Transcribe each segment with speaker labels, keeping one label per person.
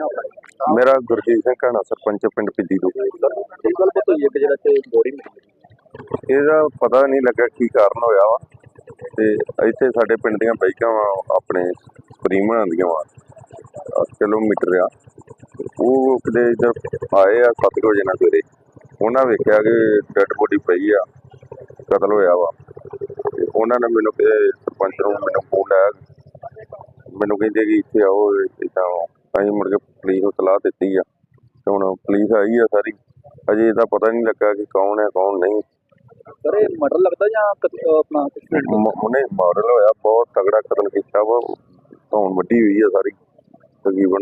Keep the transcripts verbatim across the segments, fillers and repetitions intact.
Speaker 1: नाम है
Speaker 2: मेरा गुरजीत सिंह घाना सरपंच पिंड पिद्दी ਤੋਂ
Speaker 1: ਕੀ ਗੱਲ ਬਾਤ ਹੋਈ ਹੈ ਕਿ ਜਿਹੜਾ ਤੇ ਬੋਡੀ ਮਿਲੀ
Speaker 2: ਇਹਦਾ ਪਤਾ ਨਹੀਂ ਲੱਗਾ ਕੀ ਕਾਰਨ ਹੋਇਆ ਵਾ ਤੇ ਇੱਥੇ ਸਾਡੇ ਪਿੰਡ ਦੀਆਂ ਬਾਈਕਾਂ ਵਾ ਆਪਣੇ ਸਪਰੀਮ ਬਣਾਉਂਦੀਆਂ ਵਾ ਅੱਠ ਕਿਲੋਮੀਟਰ ਆ ਉਹ ਕਿਤੇ ਇੱਧਰ ਆਏ ਆ ਸੱਤ ਕੁ ਵਜੇ ਨਾਲ ਸਵੇਰੇ ਉਹਨਾਂ ਵੇਖਿਆ ਕਿ ਡੈਡ ਬੋਡੀ ਪਈ ਆ ਕਤਲ ਹੋਇਆ ਵਾ ਤੇ ਉਹਨਾਂ ਨੇ ਮੈਨੂੰ ਕਿ ਸਰਪੰਚ ਨੂੰ ਮੈਨੂੰ ਫੋਨ ਲਾਇਆ ਮੈਨੂੰ ਕਹਿੰਦੇ ਕਿ ਇੱਥੇ ਆਓ ਇੱਦਾਂ ਅਸੀਂ ਮੁੜ ਕੇ ਪੁਲਿਸ ਨੂੰ ਸਲਾਹ ਦਿੱਤੀ ਆ ਤੇ ਹੁਣ ਪੁਲਿਸ ਆਈ ਆ ਸਾਰੀ ਅਜੇ ਇਹਦਾ ਪਤਾ ਨਹੀਂ ਲੱਗਾ ਕਿ ਕੌਣ ਹੈ ਕੌਣ ਨਹੀਂ
Speaker 1: ਸਰ ਇਹ ਮਰਡਰ ਲੱਗਦਾ ਜਾਂ ਕਤ- ਆਪਣਾ
Speaker 2: ਮ- ਉਹਨੇ ਮਾਡਲ ਹੋਇਆ ਬਹੁਤ ਤਗੜਾ ਕਤਲ ਕੀਤਾ ਵਾ ਧੌਣ ਵੱਡੀ ਹੋਈ ਆ ਸਾਰੀ ਤਕਰੀਬਨ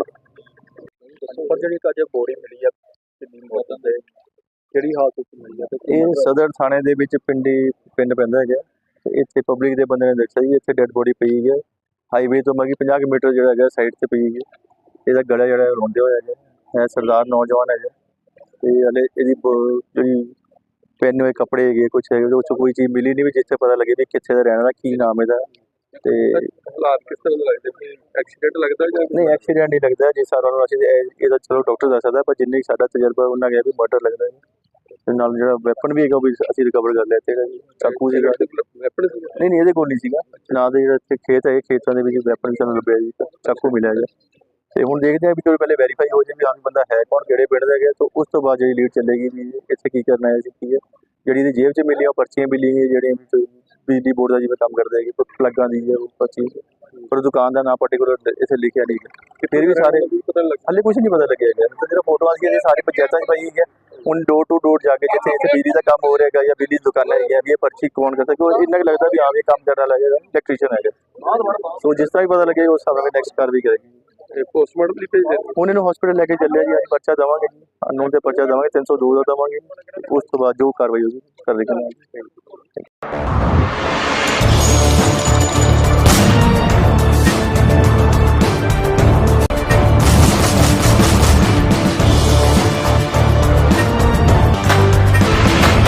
Speaker 1: ਪਰ ਜਿਹੜੀ ਅੱਜ ਬੋਡੀ ਮਿਲੀ ਆ ਕਿੰਨੀ ਮੌਤ ਦੇ ਕਿਹੜੀ ਹਾਲਤ ਵਿੱਚ ਮਿਲੀ ਆ ਤੇ
Speaker 3: ਇਹ ਸਦਰ ਥਾਣੇ ਦੇ ਵਿੱਚ ਪਿੰਡੀ ਪਿੰਡ ਪੈਂਦਾ ਹੈਗਾ ਤੇ ਇੱਥੇ ਪਬਲਿਕ ਦੇ ਬੰਦੇ ਨੇ ਦੇਖਿਆ ਜੀ ਇੱਥੇ ਡੈੱਡ ਬੋਡੀ ਪਈ ਹੈ ਹਾਈਵੇ ਤੋਂ ਮਗੀ ਪੰਜਾਹ ਕਿਲੋਮੀਟਰ ਜਿਹੜਾ ਹੈਗਾ ਸਾਈਡ ਤੇ ਪਈ ਹੈ ਇਹਦਾ ਗਲਾ ਜਿਹੜਾ ਰੋਂਦੇ ਹੋਇਆ ਹੈਗਾ ਇਹ ਸਰਦਾਰ ਨੌਜਵਾਨ ਹੈਗਾ ਤੇ ਹਲੇ ਇਹਦੀ ਬ- ਜਿਹੜੀ ਪਹਿਨੇ ਹੋਏ ਕੱਪੜੇ ਹੈਗੇ ਕੁਛ ਹੈਗੇ ਉਹਦੇ ਵਿੱਚੋਂ ਕੋਈ ਚੀਜ਼ ਮਿਲੀ ਨਹੀਂ ਵੀ ਜਿੱਥੇ ਪਤਾ ਲੱਗੇ ਵੀ ਕਿੱਥੇ ਦਾ ਰਹਿਣ ਵਾਲਾ ਕੀ ਨਾਮ ਇਹਦਾ ਤੇ
Speaker 1: ਹਾਲਾਤ ਕਿਸ ਤਰ੍ਹਾਂ ਦੇ ਲੱਗਦੇ ਕਿ ਐਕਸੀਡੈਂਟ ਲੱਗਦਾ ਜਾਂ
Speaker 3: ਨਹੀਂ ਐਕਸੀਡੈਂਟ ਨਹੀਂ ਲੱਗਦਾ ਜਿਸ ਸਾਰਾ ਨੂੰ ਅਸੀਂ ਇਹ- ਇਹਦਾ ਚਲੋ ਡਾਕਟਰ ਦੱਸ ਸਕਦਾ ਪਰ ਜਿੰਨੀ ਸਾਡਾ ਤਜਰਬਾ ਉਹਨਾਂ ਗਿਆ ਵੀ ਮਰਡਰ ਲੱਗਦਾ ਹੈ ਤੇ ਨਾਲ ਜਿਹੜਾ ਵੈਪਨ ਵੀ ਹੈਗਾ ਉਹ ਵੀ ਅਸੀਂ ਰਿਕਵਰ ਕਰ ਲਿਆ ਤੇ ਜਿਹੜਾ ਜੀ ਚਾਕੂ ਸੀਗਾ
Speaker 1: ਵੈਪਨ
Speaker 3: ਨਹੀਂ ਨਹੀਂ ਇਹਦੇ ਕੋਲ ਨਹੀਂ ਸੀਗਾ ਨਾ ਦੇ ਜਿਹੜਾ ਇੱਥੇ ਖੇਤ ਹੈ ਖੇਤਾਂ ਦੇ ਵਿੱਚ ਵੈਪਨ ਵੀ ਸਾਨੂੰ ਲੱਭਿਆ ਜੀ ਚਾਕੂ ਮਿਲਿਆ ਜੀ ਤੇ ਹੁਣ ਦੇਖਦੇ ਹਾਂ ਵੀ ਜਦੋਂ ਪਹਿਲੇ ਵੈਰੀਫਾਈ ਹੋ ਜਾਏ ਵੀ ਹਾਂ ਬੰਦਾ ਹੈ ਕੌਣ ਕਿਹੜੇ ਪਿੰਡ ਦਾ ਗਿਆ ਤਾਂ ਉਸ ਤੋਂ ਬਾਅਦ ਜਿਹੜੀ ਲੀਡ ਚੱਲੇਗੀ ਵੀ ਇੱਥੇ ਕੀ ਕਰਨਾ ਹੈ ਸੀ ਕੀ ਹੈ ਜਿਹੜੀ ਇਹਦੀ ਜੇਬ 'ਚ ਮਿਲੀਆਂ ਉਹ ਪਰਚੀਆਂ ਮਿਲੀਆਂ ਜਿਹੜੀਆਂ ਵਿੱਚ ਬਿਜਲੀ ਬੋਰਡ ਦਾ ਜਿਵੇਂ ਕੰਮ ਕਰਦਾ ਹੈ ਕਿ ਪਲੱਗਾਂ ਦੀ ਹੈ ਉਹ ਪਰਚੀ ਪਰ ਦੁਕਾਨ ਦਾ ਨਾਮ ਪਾਰਟੀਕੂਲਰ ਇੱਥੇ ਲਿਖਿਆ ਨਹੀਂ ਕਿ ਫਿਰ ਵੀ ਸਾਰੇ
Speaker 1: ਪਤਾ ਲੱਗ
Speaker 3: ਹਾਲੇ ਕੁਝ ਨਹੀਂ ਪਤਾ ਲੱਗਿਆ ਹੈਗਾ ਤਾਂ ਜਿਹੜਾ ਫੋਟੋਆਂ ਸੀ ਸਾਰੀ ਪੰਚਾਇਤਾਂ 'ਚ ਪਾਈ ਹੈ ਹੁਣ ਡੋਰ ਟੂ ਡੋਰ ਜਾ ਕੇ ਜਿੱਥੇ ਇੱਥੇ ਬਿਜਲੀ ਦਾ ਕੰਮ ਹੋ ਰਿਹਾ ਹੈਗਾ ਜਾਂ ਬਿਜਲੀ ਦੀ ਦੁਕਾਨਾਂ ਹੈਗੀਆਂ ਵੀ ਇਹ ਪਰਚੀ ਕੌਣ ਕਰਦਾ ਕਿਉਂ ਇੰਨਾ ਕੁ ਲੱਗਦਾ ਵੀ ਹਾਂ ਵੀ ਇਹ ਕੰਮ ਕਰਨ ਵਾਲਾ ਹੈਗਾ ਇਲੈਕਟ੍ਰੀਸ਼ੀਅਨ ਹੈਗਾ ਸੋ ਜਿਸ ਤਰ੍ਹਾਂ ਹੀ ਪਤਾ ਲੱਗੇਗਾ ਉਸ ਹਿਸਾਬ ਨਾਲ ਨੈਕਸਟ ਕਾਰਵਾਈ ਕਰੇਗੀ
Speaker 1: ਪੋਸਟਮਾਰਟਮ ਲਈ ਭੇਜ ਦੇ
Speaker 3: ਹੁਣ ਇਹਨੂੰ ਹਸਪੀਟਲ ਲੈ ਕੇ ਚੱਲਿਆ ਜੀ ਅੱਜ ਪਰਚਾ ਦੇਵਾਂਗੇ ਜੀ ਅਨਨੋਨ ਤੇ ਪਰਚਾ ਦੇਵਾਂਗੇ ਤਿੰਨ ਸੌ ਦੋ ਦਾ ਦੇਵਾਂਗੇ ਉਸ ਤੋਂ ਬਾਅਦ ਜੋ ਕਾਰਵਾਈ ਹੋਊਗੀ ਕਰ ਦੇਵਾਂਗੇ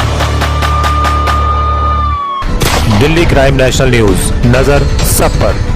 Speaker 4: दिल्ली क्राइम नेशनल न्यूज, नजर सब पर।